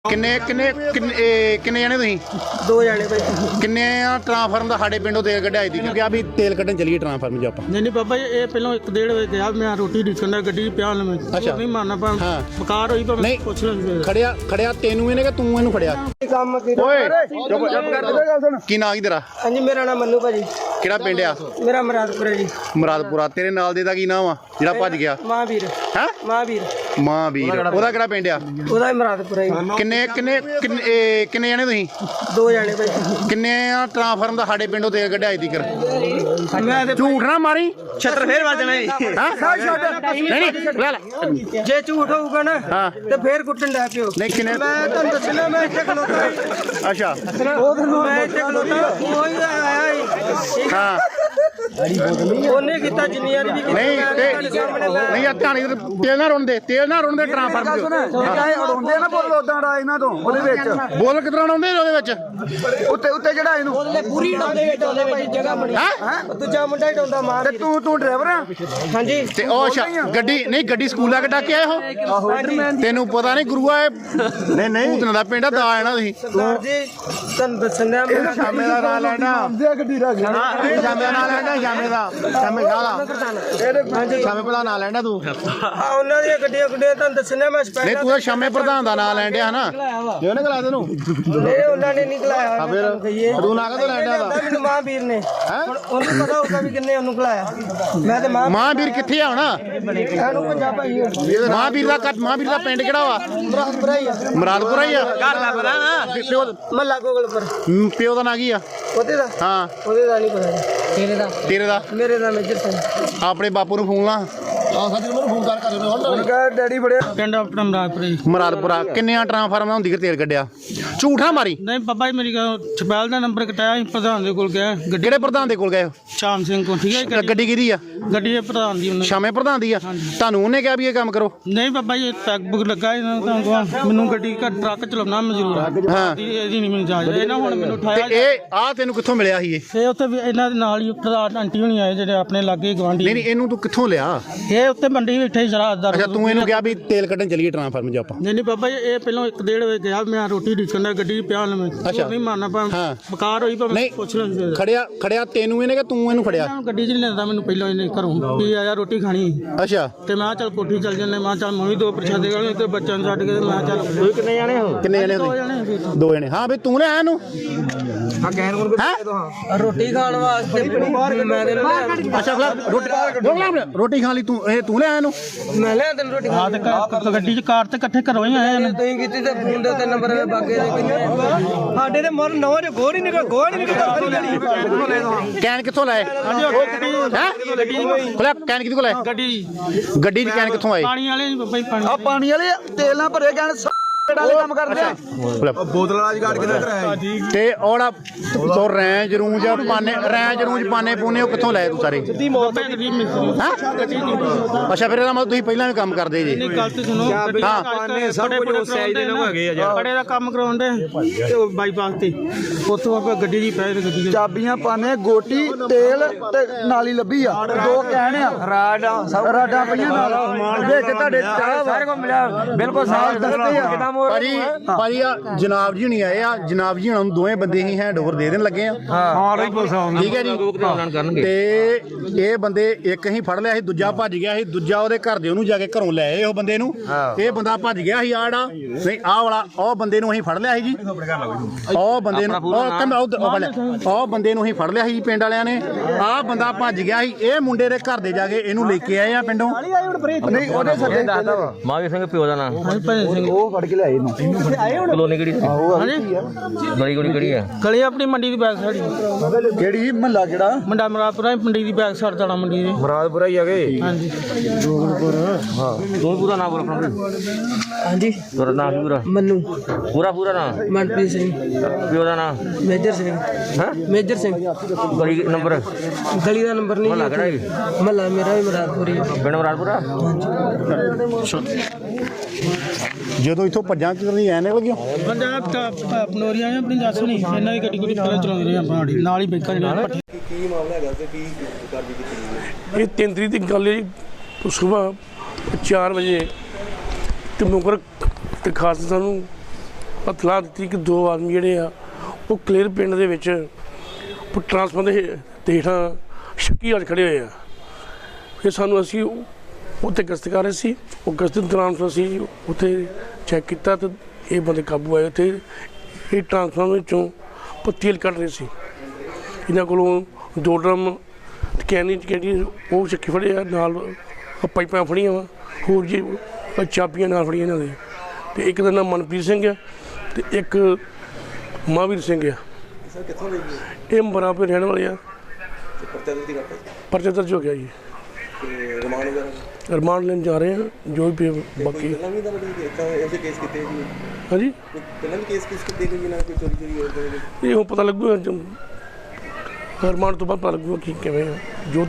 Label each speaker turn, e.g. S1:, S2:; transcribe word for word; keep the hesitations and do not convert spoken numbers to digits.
S1: किन्ने किन्ने किन्ने जने तुसीं
S2: दो जने भाई
S1: किन्ने ट्रांसफार्म का साढ़े पिंडों तेल कढ़ाई थी क्योंकि अभी तेल कढ़न चलिए ट्रांसफार्म जो आप
S2: नहीं नहीं बाबा ये पहले एक डेढ़ बजे गया मैं रोटी डिकन गड्डी प्या में
S1: अच्छा
S2: नहीं मारना पा
S1: हाँ
S2: बकार होई
S1: नहीं
S2: पुछ ले
S1: खड़िया खड़िया तेनू इहने कि तू इहनू खड़िया
S2: काम
S1: ओए चुप चुप की नाम की तेरा
S2: हां जी मेरा नाम मन्नू भाजी
S1: किहड़ा पिंड आ
S2: मेरा मुरादपुर है जी
S1: मुरादपुरा तेरे नाल दे दा की नाम आ जेड़ा भज गया
S2: महावीर
S1: हैं
S2: महावीर
S1: महावीर ओदा किहड़ा पिंड आ
S2: ओदा ही मुरादपुर है
S1: किन्ने किन्ने किन्ने किन्ने जने तुसीं
S2: दो जने भाई
S1: किन्ने ट्रांसफार्म का साढ़े पिंडों तेल कढ़ाई थी कर
S2: मैं ते
S1: झूठ ना मारी
S2: छत्र फेर वज जाना
S1: नहीं नहीं ले ले
S2: जे झूठ होगा ना
S1: हाँ
S2: ते फेर कुटन दे पियो
S1: नहीं किन्ने
S2: मैं तन दसना मैं इत्थे खलोता
S1: अच्छा
S2: मैं इत्थे खलोता कोई आया ही
S1: हाँ
S2: ਉਹਨੇ ਕੀਤਾ ਜਿੰਨੀਆਂ ਵੀ
S1: नहीं ते नहीं ਆ ਧਾਣੀ ਤੇਲ ਨਾ ਰੋਣ ਦੇ ਤੇਲ ਨਾ ਰੋਣ ਦੇ ਟ੍ਰਾਂਸਫਾਰਮ
S3: ਚਾਹੇ ਉਡਾਉਂਦੇ ਨਾ ਬੋਲ ਉਦਾਂ ਦਾ ਇਹਨਾਂ ਤੋਂ ਉਹਦੇ ਵਿੱਚ
S1: ਬੋਲ ਕਿਤਨਾ ਆਉਂਦੇ ਉਹਦੇ ਵਿੱਚ
S3: ਉੱਤੇ ਉੱਤੇ ਜਿਹੜਾ ਇਹਨੂੰ
S2: ਉਹਦੇ ਪੂਰੀ ਡਾਉਂਦੇ ਵਿੱਚ ਉਹਦੇ ਵਿੱਚ ਜਗ੍ਹਾ ਬਣੀ
S1: ਹੈ
S2: ਦੂਜਾ ਮੁੰਡਾ ਹੀ ਡਾਉਂਦਾ ਮਾਰ
S3: ਤੇ ਤੂੰ ਤੂੰ ਡਰਾਈਵਰ ਆ
S2: ਹਾਂਜੀ
S1: ਤੇ ਉਹ ਅੱਛਾ ਗੱਡੀ ਨਹੀਂ ਗੱਡੀ ਸਕੂਲ ਆ ਕੇ ਡਾਕੇ ਆਏ ਹੋ ਤੈਨੂੰ ਪਤਾ ਨਹੀਂ ਗੁਰੂਆ ਨਹੀਂ ਨਹੀਂ ਤੂੰ ਦਾ ਪਿੰਡ ਦਾ ਆਣਾ ਤੁਸੀਂ
S2: ਸਰਦਾਰ ਜੀ ਤੁਹਾਨੂੰ ਦੱਸਣਾ ਮੈਂ
S1: ਸ਼ਾਮੇ ਦਾ ਨਾਂ ਲੈਣਾ
S3: ਦੇ ਗੱਡੀ ਰੱਖ
S1: ਸ਼ਾਮੇ ਦਾ ਨਾਂ ਲੈਣਾ ਸ਼ਾਮੇ ਦਾ ਸ਼ਾਮੇ ਗਾਲਾ
S2: ਹਾਂਜੀ
S1: ਸ਼ਾਮੇ ਪਹਿਲਾਂ ਨਾਂ ਲੈਣਾ ਤੂੰ
S2: ਆ ਉਹਨਾਂ ਦੀਆਂ ਗੱਡੀਆਂ ਗੁੱਡੀਆਂ ਤੁਹਾਨੂੰ ਦੱਸਣਾ ਮੈਂ
S1: ਨਹੀਂ
S2: ਸਪੈਸ਼ਲ
S1: ਤੂੰ ਤਾਂ ਸ਼ਾਮੇ ਪ੍ਰਧਾਨ ਦਾ ਨਾਂ ਲੈਣ ਡਿਆ ਹਨਾ ਜੇ ਉਹਨੇ ਕਲਾ ਤੈਨੂੰ
S2: ਇਹ ਉਹਨਾਂ ਨੇ ਨਿਕਲਾਇਆ
S1: ਫਿਰ ਤੂੰ ਨਾ ਕਦੋਂ ਲੈਣ ਡਿਆ ਦਾ
S2: ਮੈਨੂੰ ਮਹਾਂਵੀਰ ਨੇ ਹੁਣ ਉਹਨੂੰ ਪਤਾ ਹੋਊਗਾ ਵੀ ਕਿੰਨੇ ਉਹਨੂੰ ਖਲਾਇਆ ਮੈਂ ਤੇ ਮਾਂ
S1: ਮਹਾਂਵੀਰ ਕਿੱਥੇ ਆ ਹੁਣ
S2: ਇਹਨੂੰ ਪੰਜਾਬ ਆਈ
S1: ਮਹਾਂਵੀਰ ਦਾ ਕੱਟ ਮਹਾਂਵੀਰ ਦਾ ਪਿੰਡ ਕਿਹੜਾ ਵਾ
S2: ਮੁਰਾਦਪੁਰਾ ਹੀ ਆ
S1: ਮੁਰਾਦਪੁਰਾ ਹੀ ਆ
S2: ਘਰ ਦਾ ਪਤਾ ਨਾ
S1: ਪਿਓ
S2: ਮੱਲਾ ਗੋਗਲਪੁਰ
S1: ਪਿਓ ਦਾ ਨਾਂ ਕੀ ਆ
S2: ਉਹਦੇ ਦਾ
S1: ਹਾਂ
S2: ਉਹਦੇ ਦਾ ਨਹੀਂ ਪਤਾ ਤੇਰੇ ਦਾ
S1: ਤੇਰੇ ਦਾ
S2: ਮੇਰੇ ਦਾ ਮੇਜਰ ਸਿੰਘ
S1: ਆਪਣੇ ਬਾਪੂ ਨੂੰ ਫੋਨ ਲਾ ਆ ਸਾਡੀ ਨੂੰ ਫੋਨ ਕਰ ਕਰ
S3: ਉਹਨੇ ਕਹਾ ਡੈਡੀ ਬੜਿਆ
S2: ਪਿੰਡ ਆਪਣਾ ਮੁਰਾਦਪੁਰ ਹੀ
S1: ਮੁਰਾਦਪੁਰਾ ਕਿੰਨਿਆਂ ਟ੍ਰਾਂਸਫਾਰਮਾਂ ਹੁੰਦੀ ਕਿ ਤੇਲ ਕੱਢਿਆ ਝੂਠਾ ਮਾਰੀ
S2: ਨਹੀਂ ਬਾਬਾ ਜੀ ਮੇਰੀ ਗੱਲ ਛਪੈਲ ਦਾ ਨੰਬਰ ਕਟਾਇਆ ਸੀ ਪ੍ਰਧਾਨ ਦੇ ਕੋਲ ਗਿਆ ਗੱਡੀ
S1: ਕਿਹੜੇ ਪ੍ਰਧਾਨ ਦੇ ਕੋਲ ਗਏ ਹੋ
S2: ਸ਼ਾਮ ਸਿੰਘ ਕੋਲ ਠੀਕ ਹੈ ਜੀ,
S1: ਗੱਡੀ ਕਿਹਦੀ ਆ
S2: ਗੱਡੀ ਦੇ ਪ੍ਰਧਾਨ ਦੀ ਉਹਨੇ
S1: ਸ਼ਾਮੇ ਪ੍ਰਧਾਨ ਦੀ ਆ ਤੁਹਾਨੂੰ ਉਹਨੇ ਕਿਹਾ ਵੀ ਇਹ ਕੰਮ ਕਰੋ
S2: ਨਹੀਂ ਬਾਬਾ ਜੀ ਪੈਗ ਬੁੱਕ ਲੱਗਾ ਇਹਨਾਂ ਨੂੰ ਤਾਂ ਮੈਨੂੰ ਗੱਡੀ ਦਾ ਟਰੱਕ ਚਲਾਉਣਾ ਮਨਜ਼ੂਰ ਆ
S1: ਹਾਂ
S2: ਇਹਦੀ ਨਹੀਂ ਮੈਨੂੰ ਜਾਜ ਇਹਨਾਂ ਹੁਣ ਮੈਨੂੰ
S1: ਤੇ
S2: ਉਠਾਇਆ
S1: ਇਹ ਆ ਤੈਨੂੰ ਕਿੱਥੋਂ ਮਿਲਿਆ ਸੀ ਇਹ
S2: ਇਹ ਉੱਥੇ ਵੀ ਇਹਨਾਂ ਦੇ ਨਾਲ ਹੀ ਪ੍ਰਧਾਨ ਆਂਟੀ ਹੋਣੀ ਆਏ ਜਿਹੜੇ ਆਪਣੇ ਲਾਗੇ ਗਵਾਂਢੀ
S1: ਨਹੀਂ ਨਹੀਂ ਇਹਨੂੰ ਤੂੰ ਕਿੱਥੋਂ ਲਿਆ
S2: ਇਹ ਉੱਤੇ ਮੰਡੀ ਬੈਠੇ ਜਰਾ ਦਾ
S1: ਅੱਛਾ ਤੂੰ ਇਹਨੂੰ ਕਿਹਾ ਵੀ ਤੇਲ ਕੱਢਣ ਚਲੀਏ ਟ੍ਰਾਂਸਫਾਰਮ 'ਚ ਆਪਾਂ
S2: ਨਹੀਂ ਨਹੀਂ ਬਾਬਾ ਜੀ ਇਹ ਪਹਿਲਾਂ ਇੱਕ ਡੇਢ ਵਜੇ ਗਿਆ ਮੈਂ ਰੋਟੀ ਡਿਕਨ ਗੱਡੀ ਪਿਆ ਮੈਂ
S1: ਅੱਛਾ।
S2: ਨਹੀਂ ਮਾਰਨਾ ਪਾ
S1: ਹਾਂ।
S2: ਬਕਾਰ ਹੋਈ ਭਾਵੇਂ
S1: ਨਹੀਂ
S2: ਪੁੱਛ ਲੈ
S1: ਖੜਿਆ ਖੜਿਆ ਤੈਨੂੰ ਇਹਨੇ ਕਿ ਤੂੰ ਇਹਨੂੰ ਖੜਿਆ
S2: ਗੱਡੀ 'ਚ ਨਹੀਂ ਲੈਂਦਾ ਮੈਨੂੰ ਪਹਿਲਾਂ ਇਹਨੇ ਘਰੋਂ ਵੀ ਆਇਆ ਰੋਟੀ ਖਾਣੀ
S1: ਅੱਛਾ
S2: ਤੇ ਮੈਂ ਕਿਹਾ ਚੱਲ ਕੋਠੀ ਚੱਲ ਜੰਨੇ ਮੈਂ ਕਿਹਾ ਚੱਲ ਮੈਂ ਵੀ ਦੋ ਪ੍ਰਸ਼ਾਦੇ ਗਾਲੇ ਤੇ ਬੱਚਿਆਂ ਨੂੰ ਛੱਡ ਕੇ ਤੇ ਮੈਂ ਕਿਹਾ ਚੱਲ ਤੁਸੀਂ ਕਿੰਨੇ ਜਾਣੇ ਹੋ
S1: ਕਿੰਨੇ ਜਣੇ
S2: ਦੋ
S1: ਤੁਸੀਂ
S2: ਜਾਣੇ ਫਿਰ
S1: ਦੋ ਜਣੇ ਹਾਂ ਵੀ ਤੂੰ ਲੈ ਇਹਨੂੰ
S3: ਆ ਕਹਿਣ ਕੋਲ
S1: ਹੈਂ?
S2: ਰੋਟੀ ਖਾਣ ਵਾਸਤੇ ਮੈਂ ਦੇ
S1: ਅੱਛਾ ਫਿਰ ਰੋਟੀ ਰੋਕ ਲੈ ਰੋਟੀ ਖਾ ਲਈ ਤੂੰ ਇਹ ਤੂੰ ਲੈ ਇਹਨੂੰ
S2: ਮੈਂ ਲਿਆ ਤੈਨੂੰ ਰੋਟੀ ਖਾ ਤੇ ਗੱਡੀ 'ਚ ਕਾਰ ਤੇ ਇਕੱਠੇ ਘਰੋਂ ਹੀ ਆਏ ਨੇ ਤੁਸੀਂ ਕੀਤੀ ਤੇ ਫੋਨ ਦੇ ਉੱਤੇ ਨੰਬਰ ਵੇ ਬਾਗੇ ਦੇ ਕਿੰਨੇ ਸਾਡੇ ਤੇ ਮਰ ਨਵਾਂ ਜੋ ਗੋੜ ਹੀ ਨਿਕਲ ਗੋੜ ਨਹੀਂ ਨਿਕਲ
S1: ਕੈਨ ਕਿੱਥੋਂ ਲਾਏ
S2: ਹਾਂਜੀ ਉਹ ਗੱਡੀ
S1: ਹੈ
S2: ਗੱਡੀ
S1: ਖੋਲਿਆ ਕੈਨ ਕਿਹਦੇ ਕੋਲ ਆਏ
S2: ਗੱਡੀ
S1: ਗੱਡੀ ਦੀ ਕੈਨ ਕਿੱਥੋਂ ਆਏ
S2: ਪਾਣੀ ਵਾਲੇ ਬੱਬਾ ਹੀ ਪਾਣੀ
S3: ਆ ਪਾਣੀ ਵਾਲੇ ਤੇਲ ਨਾਲ ਭਰੇ ਕਹਿਣ ਵਾਲੇ ਕੰਮ ਕਰਦੇ ਆ
S1: ਖੋਲਿਆ।
S3: ਬੋਤਲ ਵਾਲਾ ਜਗਾੜ ਕਿੱਥੇ ਕਰਾਇਆ ਜੀ
S1: ਤੇ ਉਹੜਾ ਸੋ ਰੈਂਜ ਰੂੰਜ ਪਾਨੇ ਰੈਂਜ ਰੂੰਜ ਪਾਨੇ ਪੂਨੇ ਉਹ ਕਿੱਥੋਂ ਲਏ ਤੂੰ ਸਾਰੇ
S2: ਸਿੱਧੀ ਮੌਤ ਹੈ ਗੱਡੀ ਮਿਸ
S1: ਹੈਂ? ਅੱਛਾ ਫਿਰ ਇਹਦਾ ਮਤਲਬ ਤੁਸੀਂ ਪਹਿਲਾਂ ਵੀ ਕੰਮ ਕਰਦੇ ਜੀ
S2: ਨਹੀਂ ਗੱਲ ਤੇ ਸੁਣੋ
S1: ਹਾਂ।
S2: ਪਾਨੇ ਸਭ ਕੁਝ ਉਸ ਸਾਈਜ਼ ਦੇ ਨਾ ਹੈਗੇ ਆ ਯਾਰ ਬੜੇ ਦਾ ਕੰਮ ਕਰਾਉਂਦੇ ਤੇ ਉਹ ਬਾਈਪਾਸ ਤੇ ਉੱਥੋਂ ਆਪਾਂ ਗੱਡੀ ਦੀ ਪੈ ਤੇ ਗੱਡੀ
S3: ਚਾਬੀਆਂ ਪਾਣੇ ਗੋਟੀ ਤੇਲ ਤੇ ਨਾਲੀ ਲੱਭੀ ਆ ਦੋ ਕਹਿਣ ਆ ਰਾਡਾ ਰਾਡਾ ਪਈਆਂ ਨਾਲ ਵਿੱਚ ਤੁਹਾਡੇ ਚਾਹ ਸਾਰੇ ਕੋ ਮਿਲਿਆ ਬਿਲਕੁਲ ਸਾਫ ਦੱਸਦੇ ਆ ਕਿਦਾਂ
S1: ਭਾਜੀ ਭਾਜੀ ਆ ਜਨਾਬ ਜੀ ਨਹੀਂ ਆਏ ਆ ਜਨਾਬ ਜੀ ਹੁਣ ਦੋਵੇਂ ਬੰਦੇ ਹੀ ਹੈਂਡਓਵਰ ਦੇ ਦੇਣ ਲੱਗੇ ਆ
S3: ਹਾਂ ਰਹੀ ਪੁਲਿਸ ਆਉਂਦੀ
S1: ਠੀਕ ਹੈ ਜੀ ਤੇ ਇਹ ਬੰਦੇ ਇੱਕ ਹੀ ਫੜ ਲਿਆ ਸੀ ਦੂਜਾ ਭੱਜ ਗਿਆ ਸੀ ਦੂਜਾ ਉਹਦੇ ਘਰ ਦੇ ਉਹਨੂੰ ਜਾ ਕੇ ਘਰੋਂ ਲੈ ਆਏ ਉਹ ਬੰਦੇ ਨੂੰ ਇਹ ਬੰਦਾ ਭੱਜ ਗਿਆ ਸੀ ਆੜਾ ਨਹੀਂ ਆਹ ਵਾਲਾ ਉਹ ਬੰਦੇ ਨੂੰ ਅਸੀਂ ਫੜ ਲਿਆ ਸੀ ਜੀ ਉਹ ਬੰਦੇ ਨੂੰ ਉਹ ਬੰਦੇ ਨੂੰ ਅਸੀਂ ਫੜ ਲਿਆ ਸੀ ਪਿੰਡ ਵਾਲਿਆਂ ਨੇ ਆਹ ਬੰਦਾ ਭੱਜ ਗਿਆ ਸੀ ਇਹ ਮੁੰਡੇ ਦੇ ਘਰ ਦੇ ਜਾ ਕੇ ਇਹਨੂੰ ਲੈ ਕੇ ਆਏ ਆ ਪਿੰਡੋਂ
S3: ਨਹੀਂ ਉਹਦੇ ਸੱਦੇ ਦੱਸਦਾ ਵਾ
S4: ਮਾਵੀ ਸਿੰਘ ਪਿਓ ਦਾ ਨਾਮ
S3: ਉਹ ਫੜ ਕੇ ਲਿਆਏ ਇਹਨੂੰ
S4: ਕਲੋਨੀ ਕਿਹੜੀ
S2: ਹਾਂਜੀ
S4: ਗਲੀ ਗਲੀ ਕਿਹੜੀ ਆ
S2: ਗਲੀ ਆਪਣੀ ਮੰਡੀ ਦੀ ਬੈਕ ਸਾਈਡ
S3: ਕਿਹੜੀ ਮਹੱਲਾ ਕਿਹੜਾ
S2: ਮੰਡਾ ਮਰਾਦਪੁਰਾ ਮੰਡੀ ਦੀ ਬੈਕ ਸਾਈਡ ਜਾਣਾ ਮੰਡੀ ਦੇ
S3: ਮੁਰਾਦਪੁਰਾ ਹੀ ਹੈਗੇ
S2: ਹਾਂਜੀ
S4: ਹਾਂ ਤੂੰ ਪੂਰਾ ਨਾਮ ਬੋਲ ਆਪਣਾ
S2: ਹਾਂਜੀ
S4: ਤੇਰਾ ਨਾਮ ਕੀ ਪੂਰਾ
S2: ਮੰਨੂ
S4: ਪੂਰਾ ਪੂਰਾ ਨਾਮ
S2: ਮਨਪ੍ਰੀਤ ਸਿੰਘ
S4: ਪਿਓ ਦਾ ਨਾਮ
S2: ਮੇਜਰ ਸਿੰਘ
S4: ਹਾਂ
S2: ਮੇਜਰ ਸਿੰਘ
S4: ਗਲੀ ਨੰਬਰ
S2: ਗਲੀ ਦਾ ਨੰਬਰ ਨਹੀਂ
S4: ਮਹੱਲਾ ਕਿਹੜਾ ਜੀ
S2: ਮਹੱਲਾ ਮੇਰਾ ਵੀ ਮਰਾਦਪੁਰੀ
S4: ਪਿੰਡ ਮਰਾਦਪੁਰਾ
S1: ਜਦੋਂ ਇੱਥੋਂ ਭੱਜਾਂ ਕਿਰਨੀ ਐ ਨਿਕਲ ਗਿਆ
S2: ਪੰਜਾਬ ਦਾ ਪਨੋਰੀਆਂ ਆਪਣੀ ਦੱਸ ਨਹੀਂ ਇਹਨਾਂ ਦੀ ਗੱਡੀ ਗੁੱਡੀ ਪਹਿਲਾਂ ਚਲਾਉਂਦੇ ਰਹੇ ਆਪਾਂ ਨਾਲ ਹੀ ਬੈਕਾਂ ਦੇ ਨਾਲ
S5: ਕੀ ਮਾਮਲਾ ਹੈਗਾ ਤੇ ਕੀ ਕਾਰਵਾਈ ਕੀਤੀ
S6: ਇਹ ਤਿੰਨ ਤਰੀਕ ਦੀ ਗੱਲ ਹੈ ਜੀ ਸੁਬਾਹ ਚਾਰ ਵਜੇ ਤੇ ਮੁਕਰ ਤੇ ਖਾਸ ਸਾਨੂੰ ਇਤਲਾਹ ਦਿੱਤੀ ਕਿ ਦੋ ਆਦਮੀ ਜਿਹੜੇ ਆ ਉਹ ਕਲੇਰ ਪਿੰਡ ਦੇ ਵਿੱਚ ਟਰਾਂਸਫਾਰਮਰ ਦੇ ਦੇ ਹੇਠਾਂ ਸ਼ੱਕੀ ਹਾਲ ਖੜੇ ਹੋਏ ਆ। ਫਿਰ ਸਾਨੂੰ ਅਸੀਂ ਉੱਥੇ ਗਸ਼ਤ ਕਰ ਰਹੇ ਸੀ, ਉਹ ਗਸ਼ਤ ਦੇ ਦੌਰਾਨ ਫਿਰ ਅਸੀਂ ਉੱਥੇ ਚੈੱਕ ਕੀਤਾ ਤਾਂ ਇਹ ਬੰਦੇ ਕਾਬੂ ਆਏ। ਉੱਥੇ ਇਹ ਟਰਾਂਸਫਾਰਮਰ ਵਿੱਚੋਂ ਤੇਲ ਕੱਢ ਰਹੇ ਸੀ। ਇਹਨਾਂ ਕੋਲੋਂ ਦੋ ਡਰਮ ਕੈਨੀ ਕਿਹੜੀ ਉਹ ਚੱਕੀ ਫੜੇ ਆ, ਨਾਲ ਪਾਈਪਾਂ ਫੜੀਆਂ ਵਾ, ਹੋਰ ਜੀ ਚਾਬੀਆਂ ਨਾਲ ਫੜੀਆਂ ਇਹਨਾਂ ਦੇ। ਅਤੇ ਇੱਕ ਦਾ ਨਾਮ ਮਨਪ੍ਰੀਤ ਸਿੰਘ ਆ ਅਤੇ ਇੱਕ ਮਹਾਂਵੀਰ ਸਿੰਘ ਆ।
S5: ਸਰ ਕਿੱਥੋਂ ਲਈ ਜੀ?
S6: ਇਹ ਬਰਾਬਰ ਰਹਿਣ ਵਾਲੇ ਆ।
S5: ਤੇ ਪਰਚਾ ਦਿੱਤੀ ਕਰਤਾ
S6: ਪਰਚਾ ਦਰਜ ਹੋ ਗਿਆ ਜੀ।
S5: ਤੇ ਰਿਮਾਂਡ ਵਗੈਰਾ
S6: ਰਿਮਾਂਡ ਲੈਣ ਜਾ ਰਹੇ ਹਾਂ ਜੋ ਵੀ
S5: ਕੋਈ
S6: ਬਾਕੀ।
S5: ਪਹਿਲਾਂ ਵੀ ਤਾਂ ਐਸੇ ਕੇਸ ਕੀਤੇ ਜੀ?
S6: ਹਾਂਜੀ,
S5: ਕੋਈ ਪਹਿਲਾਂ ਵੀ ਕੇਸ ਕਿਸ ਕੀਤੇ ਗਏ ਨਾ, ਕੋਈ ਚੋਰੀ ਚੋਰੀ ਹੋਰ ਕੋਈ?
S6: ਇਹ ਹੁਣ ਪਤਾ ਲੱਗੂਗਾ, ਰਿਮਾਂਡ ਤੋਂ ਬਾਅਦ ਪਤਾ ਲੱਗੂਗਾ ਕੀ ਕਿਵੇਂ ਆ ਜੋ